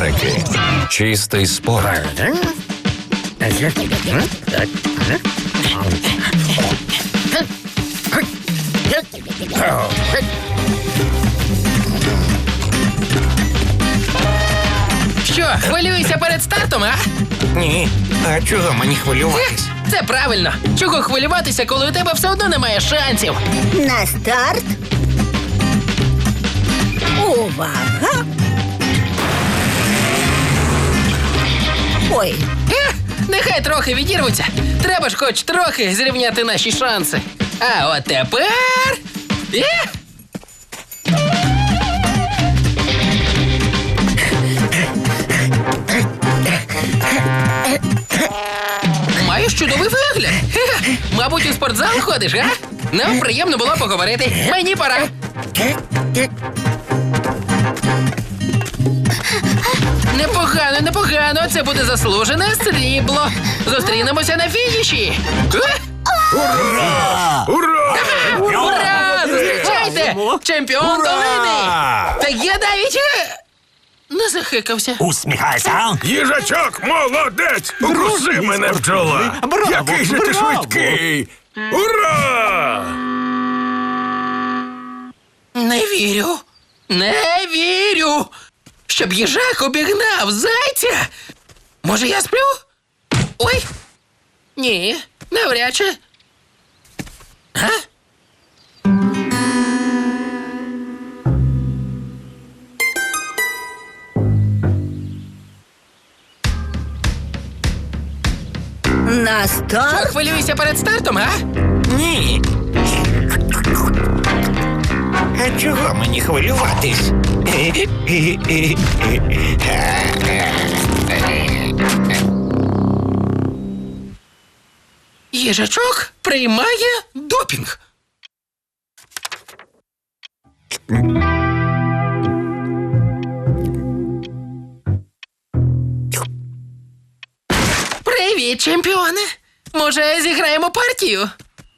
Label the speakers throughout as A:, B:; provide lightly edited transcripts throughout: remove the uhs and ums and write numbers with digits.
A: суперники. Чистий спорт.
B: Що, хвилюєшся перед стартом, а?
C: Ні, а чого мені хвилюватись?
B: Це правильно. Чого хвилюватися, коли у тебе все одно немає шансів?
D: На старт. Увага! Ой,
B: Нехай трохи відірвуться. Треба ж хоч трохи зрівняти наші шанси. А от тепер... Маєш чудовий вигляд. Мабуть, у спортзал ходиш, а? Нам приємно було поговорити. Мені пора. Непогано, непогано. Це буде заслужене срібло. Зустрінемося на фініші.
A: Ура!
B: Ура! Зустрічайте! Чемпіон долини! Та я навіть не захикався.
E: Усміхайся.
F: Їжачок, молодець! Укуси мене в чоло!
E: Браво,
F: Який же ти
E: браво!
F: швидкий! Ура!
B: Не вірю. Не вірю. Щоб їжак обігнав зайця. Може, я сплю? Ой. Ні, навряд чи. А?
D: на старт.
B: Хвилюйся перед стартом, а?
C: Ні. А чого мені хвилюватись?
B: Їжачок приймає допінг. Привіт, чемпіоне. Може, зіграємо партію?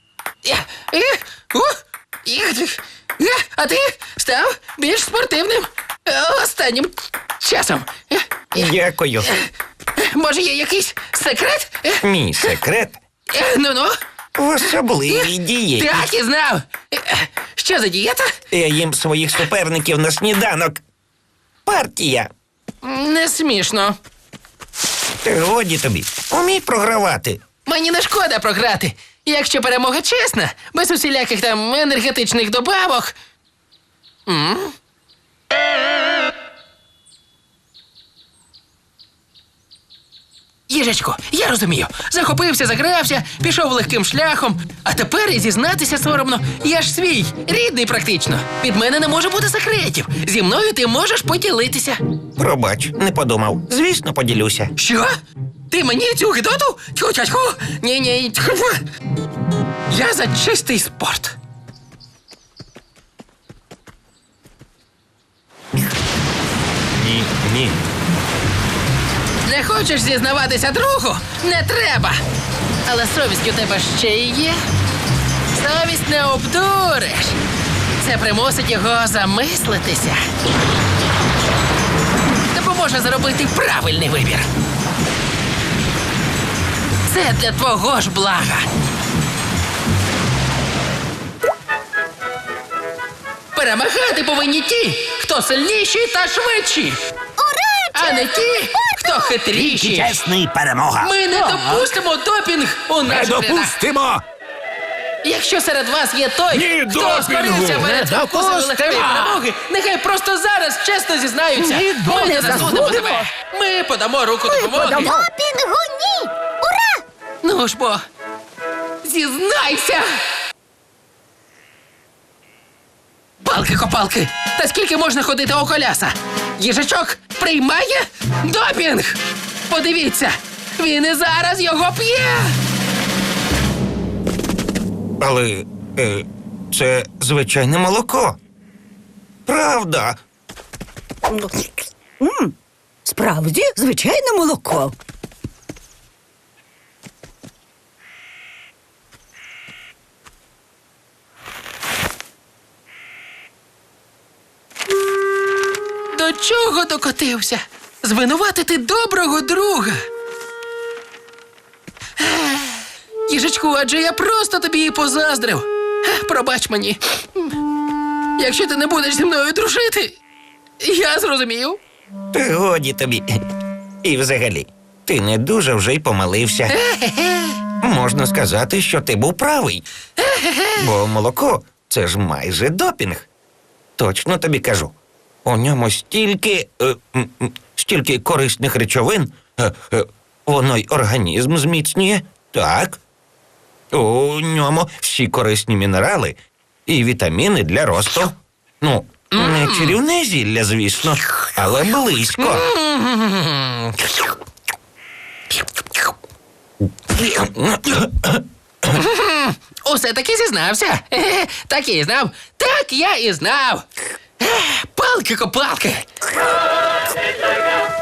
B: А ти став більш спортивним останнім часом.
C: Дякую.
B: Може, є якийсь секрет?
C: Мій секрет
B: Ну-ну.
C: в особливій дієті.
B: Так і знав. Що за дієта?
C: Я їм своїх суперників на сніданок. Партія.
B: Не смішно.
C: Та годі тобі. Умій програвати.
B: Мені не шкода програти. Якщо перемога чесна, без усіляких там енергетичних добавок. Їжачко, я розумію. Захопився, загрався, пішов легким шляхом. А тепер і зізнатися соромно. Я ж свій, рідний практично. Від мене не може бути секретів. Зі мною ти можеш поділитися.
C: Пробач, не подумав. Звісно, поділюся.
B: Що? Ти мені цю гидоту? Тьху-тьху. Ні-ні. Тьху. Я за чистий спорт.
A: Ні.
B: Не хочеш зізнаватися другу? Не треба. Але совість у тебе ще й є. Совість не обдуриш. Це примусить його замислитися. Допоможе зробити правильний вибір. Це для твого ж блага. Перемагати повинні ті, хто сильніші та швидші. А не ті, хто хитріші.
E: Чесний перемога.
B: Ми не допустимо допінг у
E: Не
B: наших рядах.
E: допустимо.
B: Якщо серед вас є той,
F: Ні
B: хто
F: допінгу!
B: скорився перед
E: Не
B: спокусом легкої
E: допустимо!
B: перемоги, нехай просто зараз чесно зізнаються.
E: Ні,
B: Ми не
D: не
B: засудимо
D: забудемо.
B: тебе. Ми подамо руку допомоги.
D: подамо.
G: Допінгу ні! Ура!
B: Ну ж бо, зізнайся! Палки-копалки! Та скільки можна ходити у коляса? Їжачок приймає допінг! Подивіться, він і зараз його п'є!
C: Але це звичайне молоко. Правда.
D: Справді, звичайне молоко.
B: До чого докотився? звинуватити доброго друга. Їжачку, адже я просто тобі і позаздрив. Пробач мені. Якщо ти не будеш зі мною дружити, я зрозумів.
C: Та годі тобі. І взагалі, ти не дуже вже й помилився. Можна сказати, що ти був правий. Бо молоко – це ж майже допінг. Точно тобі кажу. У ньому стільки корисних речовин. Воно й організм зміцнює. Так. У ньому всі корисні мінерали і вітаміни для росту. Ну, не чарівне зілля, звісно, але близько.
B: Усе таки зізнався. Так я і знав. Так я і знав. Палки-копалки.